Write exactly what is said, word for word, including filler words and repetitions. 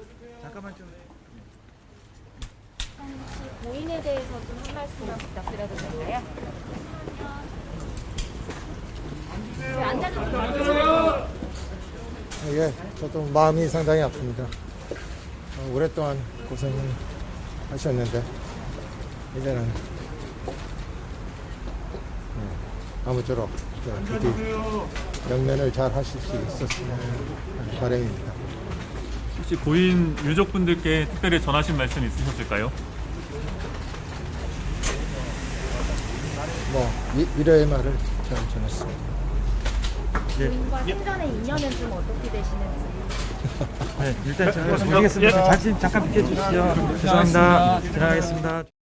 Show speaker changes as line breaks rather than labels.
잠깐만 좀.
혹시 고인에 대해서 좀 한 말씀만 부탁드려도 될까요? 네, 앉아주세요.
예, 저도 마음이 상당히 아픕니다. 어, 오랫동안 고생을 하셨는데 이제는 예, 아무쪼록 저 부디 영면을 잘 하실 수 있었으면 하는 바람입니다.
혹시 고인 유족분들께 특별히 전하신 말씀 있으셨을까요?
뭐 이, 이러의 말을 잘 전했습니다.
고인과 생전의 인연은 좀 어떻게 되시는지.
네, 일단 제가 드리겠습니다. 잠시 잠깐 비켜주시죠. 죄송합니다. 지나가겠습니다.